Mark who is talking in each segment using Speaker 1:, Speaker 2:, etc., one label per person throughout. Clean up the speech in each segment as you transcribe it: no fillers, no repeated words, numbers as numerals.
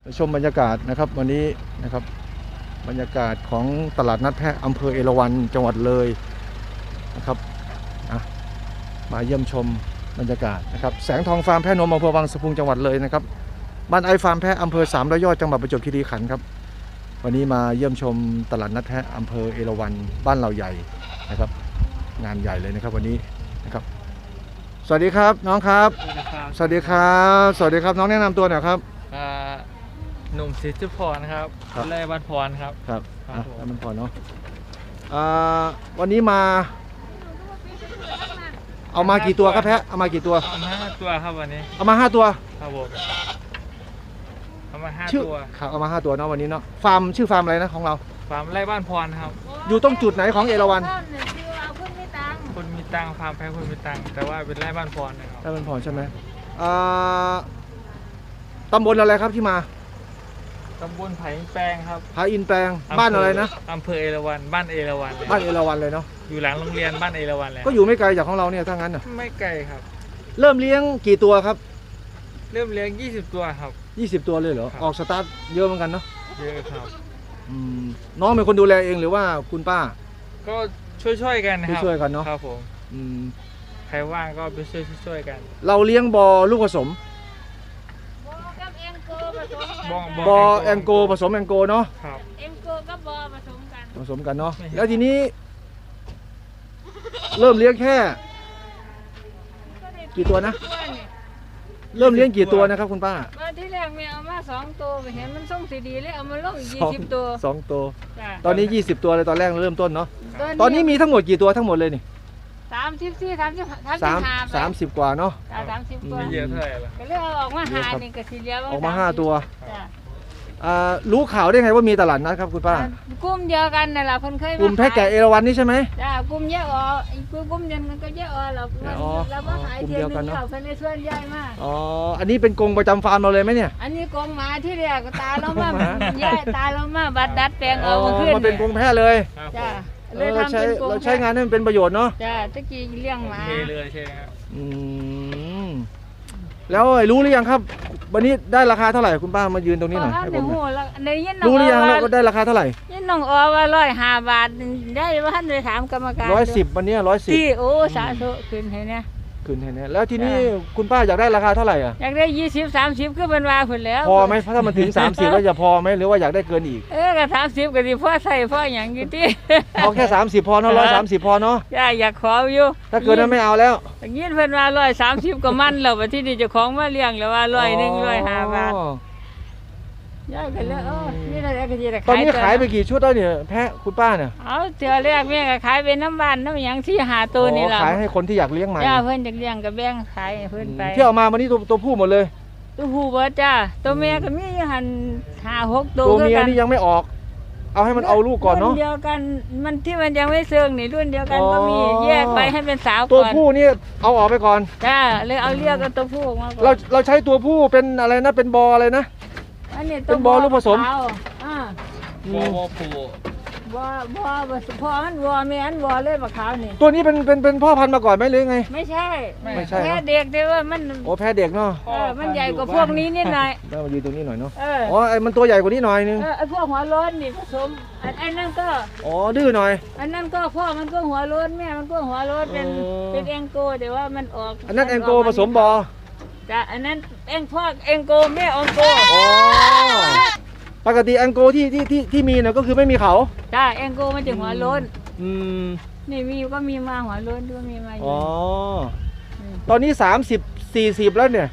Speaker 1: ชมบรรยากาศนะครับวันนี้นะครับบรรยากาศของตลาดนัดแพะอำเภอเอราวัณจังหวัดเลยนะครับมาเยี่ยมชมบรรยากาศนะครับแสงทองฟาร์มแพะนมอำเภอวังสะพุงจังหวัดเลยนะครับบ้านไอฟาร์มแพะอำเภอ300 ยอดจังหวัดประจวบคีรีขันธ์ครับวันนี้มาเยี่ยมชมตลาดนัดแพะอำเภอเอราวัณบ้านเราใหญ่นะครับงานใหญ่เลยนะครับวันนี้นะครับสวัสดีครับน้องครับสวัสดีครับสวัสดีครับน้องแนะนำตัวหน่อยครับ
Speaker 2: หนุ่มศิษย์พรครับไร่บ้านพรครับ
Speaker 1: ครับบ้านพรเนาะวันนี้มาเอามากี่ตัวครับแพะเอามากี่ตัว
Speaker 2: เอามา5 ตัวครับวันนี้
Speaker 1: เอามา5 ตัว
Speaker 2: ครับผมเอามา5 ตัว
Speaker 1: ครับเอามา5 ตัวเนาะวันนี้เนาะฟาร์มชื่อฟาร์มอะไรนะของเรา
Speaker 2: ฟาร์มไร่บ้านพรครับ
Speaker 1: อยู่ตรงจุดไหนของเอราวัณ
Speaker 2: คนมีตังฟาร์มแพะคนมีตังแต่ว่าเป็นไร่บ้านพรนะครับ
Speaker 1: ไร่บ้านพรใช่ไหมตำบลอะไรครับที่มา
Speaker 2: ตำบลไผ่แปลงครับ
Speaker 1: ผาอินแปลงบ้านอะไรนะ
Speaker 2: อำเภอเอราวัณบ้านเอราวัณ
Speaker 1: บ้านเอราวัณเลยเนาะ
Speaker 2: อยู่หลังโรงเรียนบ้านเอราวัณเลย
Speaker 1: ก็อยู่ไม่ไกลจากของเราเนี่ยถ้างั้นน่ะ
Speaker 2: ไม่ไกลครับ
Speaker 1: เริ่มเลี้ยงกี่ตัวครับ
Speaker 2: เริ่มเลี้ยง20 ตัวครับ
Speaker 1: 20 ตัวเลยเหรอออกสตาร์ทเยอะเหมือนกันเนาะ
Speaker 2: เยอะครับ
Speaker 1: น้องเป็นคนดูแลเองหรือว่าคุณป้า
Speaker 2: ก็ช่วยกันครับ
Speaker 1: ช่วยกันเนาะ
Speaker 2: ครับผมใครว่างก็ไปช่วยกัน
Speaker 1: เราเลี้ยงบอลูกผสมบอแองโกผสมแองโกเนาะ
Speaker 3: แองโกกับบอผสม
Speaker 1: กันเนาะแล้วทีนี้เริ่มเลี้ยงแค่กี่ตัวนะเริ่มเลี้ยงกี่ตัวนะครับคุณป้า
Speaker 3: ที่แรกมีเอามา2 ตัวเห็นมันส่งสีดีเลยเอามาลง20 ตัว
Speaker 1: 2 ตัวตอนนี้20 ตัวเลยตอนแรกเริ่มต้นเนาะตอนนี้มีทั้งหมดกี่ตัวทั้งหมดเลยนี่30 กว่าเนาะ
Speaker 3: 30 ตัว
Speaker 2: เยอะเท่าไหร่ล่ะ
Speaker 3: ก็เลยเอาออกมา5นี่ก็สิเหลือ
Speaker 1: ออกมา5 ตัวรู้ข่าวได้ไงว่ามีตลาดนัดครับคุณป้า
Speaker 3: กลุ่มเดียวกันนั่นแหละเพิ่นเคยมาก
Speaker 1: ลุ่มแพะแกะเอราวัณนี่ใช่ไหม
Speaker 3: จ้ากลุ่มแยกออกอีกกลุ่มนึงมันก็แยกออกเรามาขายเทียมนึงเราเพิ่นได้ส่วนใหญ่มาก
Speaker 1: อันนี้เป็นกรงประจำฟาร์มเราเลยไหมเนี่ย
Speaker 3: อันนี้กรงหมาที่แรกตาเรามาย้ายตาเรามาบัดดัดแปลงเอาขึ้น
Speaker 1: มาเป็นกรงแพะเลย
Speaker 3: จ้า
Speaker 1: เราใช้งานให้มันเป็นประโยชน์เนาะ
Speaker 3: จ้าตะกี้เลี้ยงหมา
Speaker 2: เลยใช่ครับ
Speaker 1: แล้วรู้หรือยังครับวันนี้ได้ราคาเท่าไหร่คุณป้ามายืนตรงนี้หน่อยให้ผมรู้หรือยังว่าได้ราคาเท่าไหร่
Speaker 3: ยินน้องว่า105 บาทได้ว่าท่านไปถามกรรมการ
Speaker 1: 110วันนี้110
Speaker 3: ที่โอ้สาธุขึ้นให้เนี่ย
Speaker 1: ขึ้นให้เนี่ยแล้วทีนี้คุณป้าอยากได้ราคาเท่าไหร่
Speaker 3: อยากได้20-30คือเป็นว่าผลแล้ว
Speaker 1: พอไหมถ้ามันถึง30แล้วจะพอไหมหรือว่าอยากได้เกินอีก
Speaker 3: ก็30ก็สิพอใส่พออย่างอยู่ที่
Speaker 1: เอาแค่30พอเนาะ130พอเนาะ
Speaker 3: อยากขออยู่
Speaker 1: ถ้าเกินนั้นไม่เอาแล้ว
Speaker 3: อย่างนี้เพิ่นว่า130ก็มันแล้วว่าที่นี่เจ้าของมาเลี้ยงแล้วว่า105 บาทย่ากันแล้วนี่อะไรก็สิได้ขาย
Speaker 1: ตอนนี้ขายไปกี่ชุดแล้วเนี่ยแพะคุณป้าเนี่ย
Speaker 3: เอาเทื่อแรกแม่ก็ขายเป็นน้ำบ้านน้ำหยังที่หาตัวนี่ล่ะ
Speaker 1: ขายให้คนที่อยากเลี้ยงใหม่
Speaker 3: เพิ่นอยากเลี้ยงก็แบ่งขายเพิ่นไป
Speaker 1: ที่เอามาวันนี้ตัวผู้หมดเลย
Speaker 3: ตัวผู้บ่จ้าตัวแม่ก็มีอยู่หั่น5-6 ตัว
Speaker 1: ตัวเมียนี่ยังไม่ออกเอาให้มันเอาลูกก่อนเนาะ
Speaker 3: รุ่นเดียวกันมันที่มันยังไม่เซิงนี่รุ่นเดียวกันก็มีแยกไปให้เป็นสาวก่อน
Speaker 1: ตัวผู้นี่เอาออกไปก่อน
Speaker 3: จ้าเลยเอาเรียกกันตัวผู้ออกมาก่อน
Speaker 1: เราใช้ตัวผู้เป็นอะไรนะเป็นบออะไรนะเป็นบอลูกผสม
Speaker 2: บอผู
Speaker 3: บพ่อมันวัวแม่มันวัวเลยมะขาวนี่
Speaker 1: ตัวนี้เป็นพ่อพันธุ์มาก่อนไหมหรือไง
Speaker 3: ไม่ใช่แพ้เด็กแต่ว่ามัน
Speaker 1: แพ้เด็กเนาะ
Speaker 3: มันใหญ่กว่าพวกนี้นิดหน่อย
Speaker 1: มายืนตรงนี้หน่อยเนาะไอ้มันตัวใหญ่กว่านี้หน่อยนึง
Speaker 3: ไอ้พวกหัวโล้นนี่ผสมไอ้นั่นก็
Speaker 1: ดื้อหน่อย
Speaker 3: อันนั้นก็พ่อมันก็หัวโล้นแม่มันก็หัวโล้นเป็นแองโกแต่ว่ามันออก
Speaker 1: อันนั้นแองโกผสมบอ
Speaker 3: จ้ะอันนั้นพ่อแองโกแม่แองโก
Speaker 1: ปกติแองโกที่มีเนี่ยก็คือไม่มีเขา
Speaker 3: จ้ะแองโกมันจะหัวโล้นนี่มีก็มีมาหัวโล้นด้วยมีมาอยู่
Speaker 1: ตอนนี้30-40แล้วเนี่ย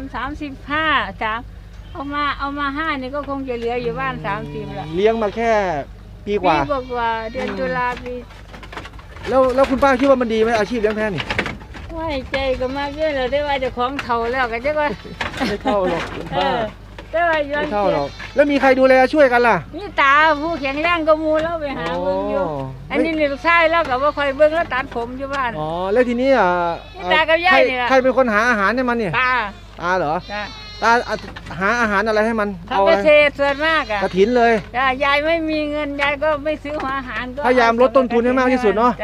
Speaker 3: 35จ้ะเอามา5นี่ก็คงจะเหลืออยู่บ้าน30ละ
Speaker 1: เลี้ยงมาแค่ปีกว่า
Speaker 3: เดือนตุลาปี
Speaker 1: แล้วคุณป้าคิดว่ามันดีไหมอาชีพเลี้ยงแพะนี่
Speaker 3: ไม่ใจก็มากเยอะเลยได้ว่าจะของเท่าแล้วก็จะว่า
Speaker 1: ไม่เท่าหรอกคุณป้า
Speaker 3: ได้ว่าไม่
Speaker 1: เท่าหรอกแล้วมีใครดูแลช่วยกันล่ะ
Speaker 3: นี่ตาผู้แข็งแรงก็มูแล้วไปหาเบิ่งอยู่อันนี้ลูกชายแล้วก็ว่าคอยเบิ่งแล้วตัดผมอยู่บ้าน
Speaker 1: แล้วทีนี้
Speaker 3: ตากับยายนี่ล่ะ
Speaker 1: ใครเป็นคนหาอาหารให้มันเนี่ยตาเหรอตาหาอาหารอะไรให้มัน
Speaker 3: เอาเกษตรส่วนมาก
Speaker 1: กระถินเลย
Speaker 3: ยายไม่มีเงินยายก็ไม่ซื้ออาหารก็
Speaker 1: พยายามลดต้นทุนให้มากที่สุดเนาะ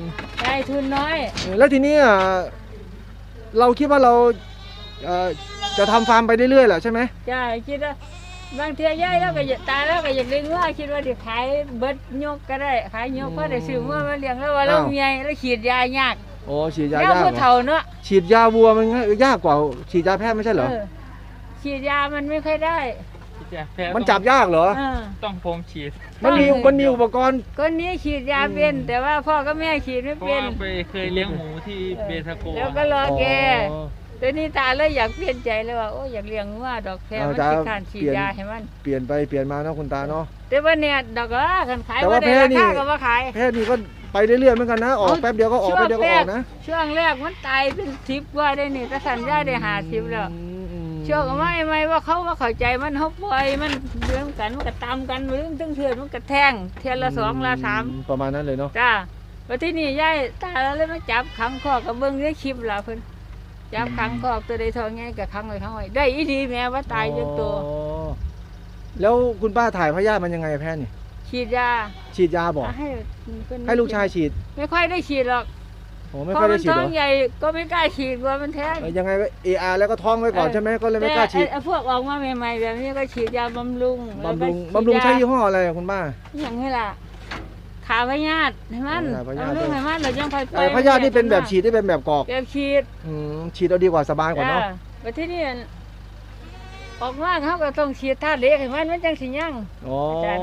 Speaker 3: ยายทุนน้อย
Speaker 1: แล้วทีนี้เราคิดว่าเราจะทำฟาร์มไปเรื่อยๆแหละใช่ไหม
Speaker 3: จ้าคิดว่าบางเทีย่ายแล้วก็อยากตายแล้วก็อยากเลี้ยงว่าคิดว่าจะขายเบิดยกก็ได้ขายยกก็ได้ซื้อว่ามาเลี้ยงแล้วว่าเราเมียแล้วฉีดยายาก
Speaker 1: โอ้ฉีดยา
Speaker 3: แล้ว
Speaker 1: ยาก
Speaker 3: ผู้
Speaker 1: เหร
Speaker 3: เฒ่า
Speaker 1: อ
Speaker 3: เนาะ
Speaker 1: ฉีดยาวัวมันยากกว่าฉีดยาแพทย์ไม่ใช่เหรอ
Speaker 3: ฉีดยามันไม่ค่อยได้
Speaker 2: แพ้
Speaker 1: มันจับยากเหรอ
Speaker 2: ต้องผมฉีด
Speaker 1: มันมีอุปกรณ์
Speaker 3: คนนี้ฉีดยาเป็นแต่ว่าพ่อกับแม่ฉีดไม่
Speaker 2: เพราะ
Speaker 3: เป็น
Speaker 2: ว่าไปเคยเลี้ยงหมูที่เบทาโก
Speaker 3: แล้วก็รอแกแต่นี่ตาเลยอยากเปลี่ยนใจเลยว่าโอ้อยากเลี้ยงว่าดอกแพรมันสิการฉีดยาให้มัน
Speaker 1: เปลี่ยนไปเปลี่ยนมาเนาะคุณตาเนาะ
Speaker 3: แต่ว่าเนี่ยดอกละกันขาย
Speaker 1: แต่ว่า
Speaker 3: ได้
Speaker 1: แพร
Speaker 3: รา
Speaker 1: นี่
Speaker 3: คาก็ว่าขาย
Speaker 1: แพทย์นี่ก็ไปเรื่อยๆเหมือนกันนะออกแป๊บเดียวก็ออกแป๊บเดียวก็ออกนะ
Speaker 3: ช่วงแรกมันตายเป็น10ว่าได้นี่ถ้าสัญญาได้50แล้วช่วงไม่ว่าเขาว่าเข้าใจมันเขาปล่อยมันเรื่องกันมันก็ตามกันเรื่องตึ้งเถื่อนมันก็แทงเทียนละ2ละ3
Speaker 1: ประมาณนั้นเลยเนาะ
Speaker 3: จ้าวันที่นี่ยายตาเลยมาจับขังคอกกับเบิ้งได้คลิปล่ะเพิ่นจับขังคอกตัวใดทองไงกับขังไว้ได้อีดีแม่ว่าตายจังตัว
Speaker 1: แล้วคุณป้าถ่ายพยาธิมันยังไงแพทย์นี่
Speaker 3: ฉีดยา
Speaker 1: ฉีดยาบอก
Speaker 3: ให้เพิ่น
Speaker 1: ให้ลูกชายฉีด
Speaker 3: ไม่ค่อยได้ฉีดหรอก
Speaker 1: โอ้ไม่
Speaker 3: เพ
Speaker 1: ค่อย
Speaker 3: ราะมั
Speaker 1: ได้
Speaker 3: น
Speaker 1: ฉีด
Speaker 3: ท้
Speaker 1: เห
Speaker 3: อ
Speaker 1: รง
Speaker 3: ใหญ่ก็ไม่กล้าฉีดกลัวมันแท้ง
Speaker 1: ยังไงก็ AR แล้วก็ท้องไว้ก่อนใช่ไหมก็เลยไม่กล้าฉีด
Speaker 3: แต่พวกออกมาใหม่ๆแบบนี้ก็ฉีดยาบำรุง
Speaker 1: บำรุงใช้ยี่ห้ออะไรอะคุณป้า
Speaker 3: อย่างนี้ล่ะขาพยาธิให้มันบำรุงให้มันเรายังไป
Speaker 1: พยาธินี่เป็นแบบฉีดได้เป็นแบบกรอก
Speaker 3: แบบฉีด
Speaker 1: ฉีดเอาดีกว่าสบายกว่าเนาะ
Speaker 3: วันที่นี่ออกมาเขาก็ต้องฉีดธาตุเหล็กให้มันจังสิยัง
Speaker 1: อ๋อ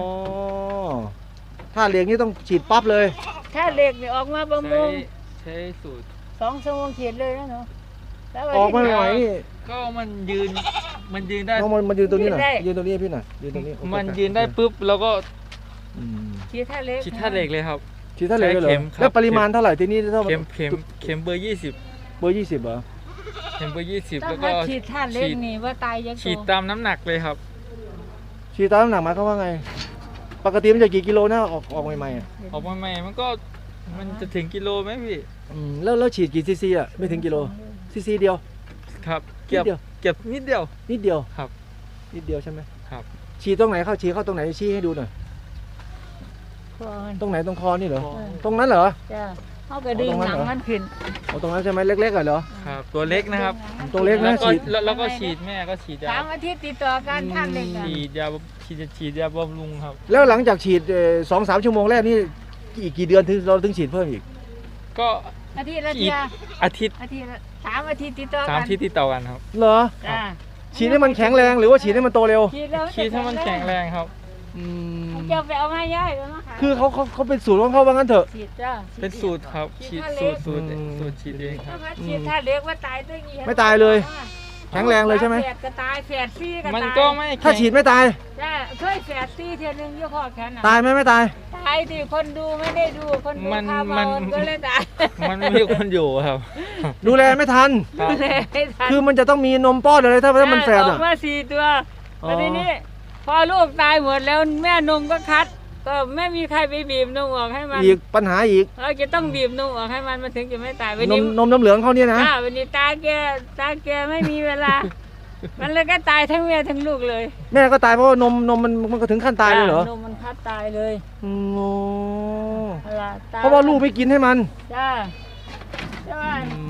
Speaker 1: ถ้าเลี้ยงนี่ต้องฉีดปั๊บเลย
Speaker 3: ธาตุเหล็กนี่ออกมาบำรุง
Speaker 2: ใช้สูตร
Speaker 3: 2 ชั่วโมงฉีดเลยนะเนาะแล้ว
Speaker 1: ออกมาใหม่ๆนี่
Speaker 2: ก็มันยืนได้
Speaker 1: น้องมันยืนตรงนี้หน่อยยืนตรงนี้ให้พี่หน่อยยืนตรงนี้
Speaker 2: มันยืนได้ปุ๊บแล้วก็
Speaker 3: ฉีดธาตุเหล็ก
Speaker 2: ฉีดธาตุเหล็กเลยครับ
Speaker 1: ฉีดเท่าไหร่เลยเหรอ
Speaker 2: ใช้เข็มครับ
Speaker 1: แล้วปริมาณเท่าไหร่ที่นี่เท่า
Speaker 2: เข็มเบอร์ 20
Speaker 1: เบอร์20เหรอ
Speaker 2: เข็มเบอร์ 20
Speaker 3: ต้อ
Speaker 2: แล้
Speaker 3: ง
Speaker 2: วก็
Speaker 3: มาฉีดธาตุเหล็กนี่ว่าตายยัง
Speaker 2: ฉีดตามน้ำหนักเลยครับ
Speaker 1: ฉีดตามน้ำหนักมาเขาว่าไง ปกติมันจะกี่กิโลนะออกใหม่ๆอ่ะ
Speaker 2: ออกมาใหม่มันจะถึงกิโลไหมพี่
Speaker 1: แล้วฉีดกี่ซีซีอ่ะไม่ถึงกิโลซีซีเดียว
Speaker 2: ครับเกือบ
Speaker 1: นิดเดียว
Speaker 2: เกือบนิดเดียว
Speaker 1: นิดเดียว
Speaker 2: ครับ
Speaker 1: นิดเดียวใช่ไหม
Speaker 2: ครับ
Speaker 1: ฉีดตรงไหนเข้าฉีดเข้าตรงไหนชี้ให้ดูหน่อย
Speaker 3: ก่อน
Speaker 1: ตรงไหนตรงคอนี่เหรอ
Speaker 2: คอ
Speaker 1: ตรงนั้นเหรอ
Speaker 3: จ้าเขาก็ดึงหนังมันขึ้น
Speaker 1: เอาตรงนั้นใช่ไหมเล็กๆเหรอ
Speaker 2: ครับตัวเล็กนะครับ
Speaker 1: ตัวเล็กนะ
Speaker 2: แล้วก็
Speaker 1: ฉีด
Speaker 2: แล้วก็ฉีดแม่ก็ฉีดยา
Speaker 3: 3 อาทิตย์ติดต่อกันธาตุเหล็กอะ
Speaker 2: ฉีดยาบำรุงครับ
Speaker 1: แล้วหลังจากฉีด2-3 ชั่วโมงแรกนี่อีกกี่เดือนถึงเราถึงฉีดเพิ่มอีก
Speaker 2: ก็
Speaker 3: อาทิตย์ละ
Speaker 2: อี
Speaker 3: เที
Speaker 2: ก
Speaker 3: ย
Speaker 2: อาทิตย์
Speaker 3: อาทิตย์ละ3 อาทิตย์ติดต่อ
Speaker 2: สาม
Speaker 3: กัน
Speaker 2: ที่ติดต่อกันครับ
Speaker 1: เหรอ
Speaker 3: จ้า
Speaker 1: ฉีดให้มันแข็งแรงหรือว่าฉีดให้มันโตเร็ว
Speaker 3: ฉีดแล้ว
Speaker 2: ฉีดให้มันแข็งแรงครับ
Speaker 3: จะไปเอามาย่ายเอามาขาย
Speaker 1: คือเขาเป็นสูตรของเขาว่างั้นเถอะ
Speaker 3: ฉีดจ้า
Speaker 2: เป็นสูตรครับฉีดสูตรฉีดเองค
Speaker 3: ถ้า
Speaker 2: รับ
Speaker 3: มาฉีดถ้าเล็กว่าตายได้กี่
Speaker 1: ไม่ตายเลย แข็งแรงเลยใช่ไหม
Speaker 3: แฝดก็ตายแฝดซี่ก็ตาย
Speaker 2: มันก็ไม่
Speaker 1: ถ้าฉีดไม่ตาย
Speaker 3: จ้าเคยแฝดซี่เทียนึงยี่ห้อแค่นั้น
Speaker 1: ตายไหมไม่ตาย
Speaker 3: ตายดิคนดูไม่ได้ดูคนดูข้าวมันก็เลยตาย
Speaker 2: มันไม่มีคนอยู่ครับ
Speaker 1: ดูแลไม่ทัน
Speaker 2: ครับ
Speaker 3: เลยไม่ทัน
Speaker 1: คือมันจะต้องมีนมป้อนอะไรถ้ามันแฝด
Speaker 3: อ
Speaker 1: อ่ะ
Speaker 3: อกมา4 ตัว
Speaker 1: อ๋อ
Speaker 3: แล้วทีนี้พอลูกตายหมดแล้วแม่นมก็คัด ก็ไม่มีใครไปบีบนมออกให้มัน
Speaker 1: อีกปัญหาอีก
Speaker 3: เราจะต้องบีบนมออกให้มันถึงจะไม่ตายวัน
Speaker 1: น
Speaker 3: นี้
Speaker 1: มน้ำเหลืองเขาเนี่ยนะ
Speaker 3: วันนี้ตาแกไม่มีเวลา มันเลยก็ตายทั้งแม่ทั้งลูกเลย
Speaker 1: แม่ก็ตายเพราะว่านมมันก็ถึงขั้นตายเลยเหรอ
Speaker 3: นมมันคัดตายเลย
Speaker 1: โอ้
Speaker 3: ตย
Speaker 1: เพราะว่าลูกไม่กินให้มัน
Speaker 3: จ้าใช่ไหม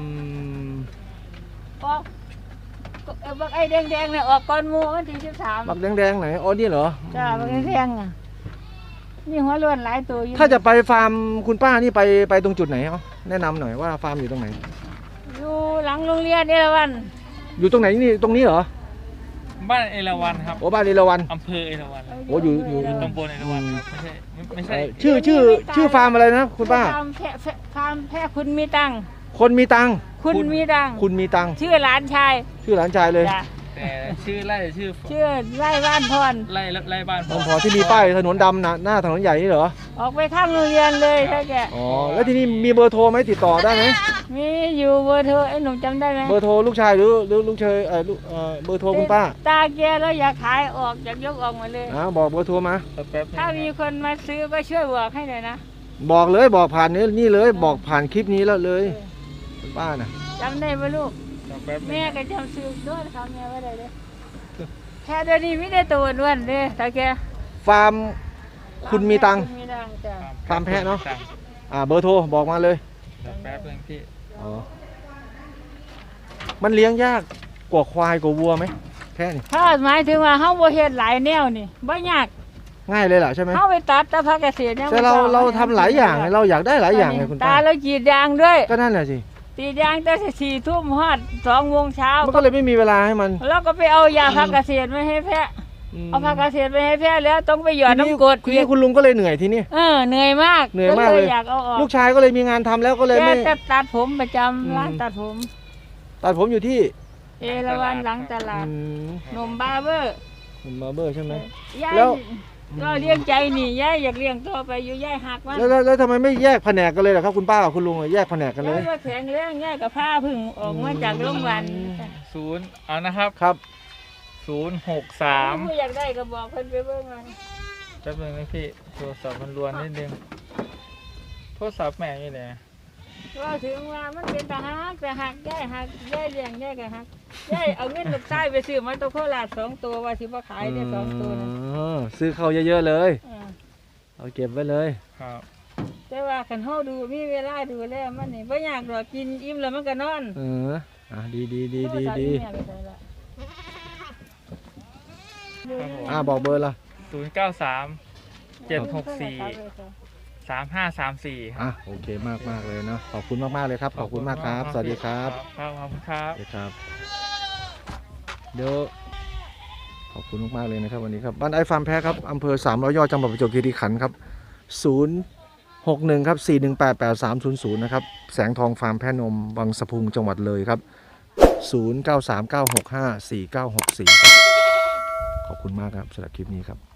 Speaker 3: ออกบักไอ้แดงๆเนี่ยออกก่อนหมูวันที่13
Speaker 1: บักแดงๆไหนอ๋อนี่เหรอ
Speaker 3: จ้าบักแดงๆอ่ะนี่หัวล้วนหลายตัวอยู่
Speaker 1: ถ้าจะไปฟาร์มคุณป้านี่ไปตรงจุดไหนเอาแนะนำหน่อยว่าฟาร์มอยู่ตรงไหน
Speaker 3: อยู่หลังโรงเรียนเอราวัณ
Speaker 1: อยู่ตรงไหนนี่ตรงนี้เหรอ
Speaker 2: บ้านเอราวัณครับ
Speaker 1: โอ้บ้านเอราวัณ
Speaker 2: อำเภอเอราวัณครับ
Speaker 1: โอ้อยู่
Speaker 2: ตำบลเอราวัณครับไม่ใช่
Speaker 1: ชื่อฟาร์มอะไรนะคุณป้า
Speaker 3: ฟาร์มแพะคุณมีตังค์
Speaker 1: คนมีตังค์
Speaker 3: คุณมีตังค์
Speaker 1: คุณมีตังค์
Speaker 3: ชื่อหลานชาย
Speaker 1: ชื่อหลานชายเลย
Speaker 3: จ้ะ
Speaker 2: แต่ชื่อไร่ชื่อ
Speaker 3: ชื่อไร่บ้านพร
Speaker 2: ไร่บ้าน
Speaker 1: พอที่มีป้ายถนนดำหน้าถนนใหญ่นี่เหรอ
Speaker 3: ออกไปข้างโรงเรียนเลยถ้าแก
Speaker 1: อ๋อแล้วที่นี่มีเบอร์โทรไหมติดต่อได้ไหม
Speaker 3: มีอยู่เบอร์โทรไอ้หนุ่มจำได้ไหม
Speaker 1: เบอร์โทรลูกชายหรือลูกชายเบอร์โทรคุณป้า
Speaker 3: ตาแกแล้วอยากขายออกอยากยกออกมาเลย
Speaker 1: บอกเบอร์โทรมา
Speaker 2: แป๊บ
Speaker 3: ถ้ามีคนมาซื้อก็ช่วยบอกให้หน่อยนะ
Speaker 1: บอกเลยบอกผ่านนี่เลยบอกผ่านคลิปนี้แล้วเลยคุณป้าน่ะ
Speaker 3: จำได้ไหมลูก
Speaker 2: แป๊บ
Speaker 3: แม่ก็จำซื้อด้วยเขาแม่ไว้ได้เลยแค่เดี๋ยวนี้ไม่ได้ตัวอ้วนเลยตาแก
Speaker 1: ฟาร์มคุณมีตังค์
Speaker 3: คุณมีตังค์จ้ะ
Speaker 1: ฟาร์มแพะเนาะ เบอร์โทรบอกมาเลย
Speaker 2: แป๊บนึงพี่
Speaker 1: อ๋อมันเลี้ยงยากกว่าควายกว่าวัวไหมแค่นี้
Speaker 3: ถ้าหมายถึงว่าเฮาบ่เฮ็ดหลายแนวนี่บ่ยาก
Speaker 1: ง่ายเลยล่ะใช่ไหม
Speaker 3: เฮาไปตัดแต่ภาคเกษตรเนี่ย
Speaker 1: แต่เราทำหลายอย่างไงเราอยากได้หลายอย่างไงคุณ
Speaker 3: ตา
Speaker 1: ป้า
Speaker 3: เรากรีดยางด้วย
Speaker 1: ก็นั่นแหละสิ
Speaker 3: กรีดยางแต่4 ทุ่มฮอด2 โมงเช้า
Speaker 1: มันก็เลยไม่มีเวลาให้มัน
Speaker 3: แล้วก็ไปเอายาภาคเกษตรมาให้แพะเอาภาคเกษตรไปให้แพะแล้วต้องไปหยอดน้ำกรด
Speaker 1: ทีนี้คุณลุงก็เลยเหนื่อยทีนี้
Speaker 3: เหนื่อยมาก
Speaker 1: เหนื่อยมากเลย
Speaker 3: อยากเอาออก
Speaker 1: ลูกชายก็เลยมีงานทำแล้วก็เลย
Speaker 3: แก
Speaker 1: ไม่
Speaker 3: จะตัดผมประจำ
Speaker 1: อืม
Speaker 3: ร้านตัดผม
Speaker 1: ตัดผมอยู่ที่
Speaker 3: เอราวัณหลังตลาด
Speaker 1: อืม
Speaker 3: หนมบาร์เบอร์
Speaker 1: คุณบาร์เบอร์ใช่ไหม
Speaker 3: ยาย
Speaker 1: แล้ว
Speaker 3: ก็เลี้ยงใจนี่ยายอยากเลี้ยงต่อไปอยู่ยายหักมัน
Speaker 1: แล้วทำไมไม่แยกแผนกกันเลยล่ะครับคุณป้ากับคุณลุงอะแยกแผนกกันเลย
Speaker 3: ยายก็แข็งแรงยายกับผ้าพึ่งออกมาจากโรงพยาบาล
Speaker 2: 0เอานะครับ
Speaker 1: ครับ
Speaker 2: 063
Speaker 3: ผู้อยากได้ก็บอกเพิ่นไปเบิ่งมา
Speaker 2: แป๊บนึงนะพี่โทรศัพท์มันรวนนิดนึงโทรศัพท์แม่อยู่ไหน
Speaker 3: ว่าถึงว่ามันเป็นตาหักแต่หักยายหักยายเลี้ยงยายก็หักยายเอาเงินลูกชายไปซื้อมาตัวโคราช2 ตัวว่าสิบ่ขายได้2 ตัวนะ
Speaker 1: อ๋อซื้อเข้าเยอะๆเลย
Speaker 3: เออ
Speaker 1: เอาเก็บไว้เลย
Speaker 2: ครับ
Speaker 3: แต่ว่าคันเฮาดูมีเวลาดูแลมันนี่บ่อยากดอกกินอิ่มแล้วมันก็นอน
Speaker 1: ดีดีดีดี
Speaker 3: โทรศัพท์
Speaker 1: ดี
Speaker 3: แม่ไปใส่ละ
Speaker 1: บอกเบอร์ละ
Speaker 2: 093 764 3534
Speaker 1: โอเคมากเลยเนาะขอบคุณมากๆเลยครับขอบคุณมากครับสวัสดีครับ
Speaker 2: ครับขอบคุณครับ
Speaker 1: สวัสดีครับเดี๋ยวขอบคุณมากๆเลยนะครับวันนี้ครับบ้านไอฟาร์มแพ้ครับอำเภอ300 ยอดจังหวัดประจวบคีรีขันธ์ครับ061ครับ4188300นะครับแสงทองฟาร์มแพะนมวังสะพุงจังหวัดเลยครับ0939654964ครับขอบคุณมากครับสำหรับคลิปนี้ครับ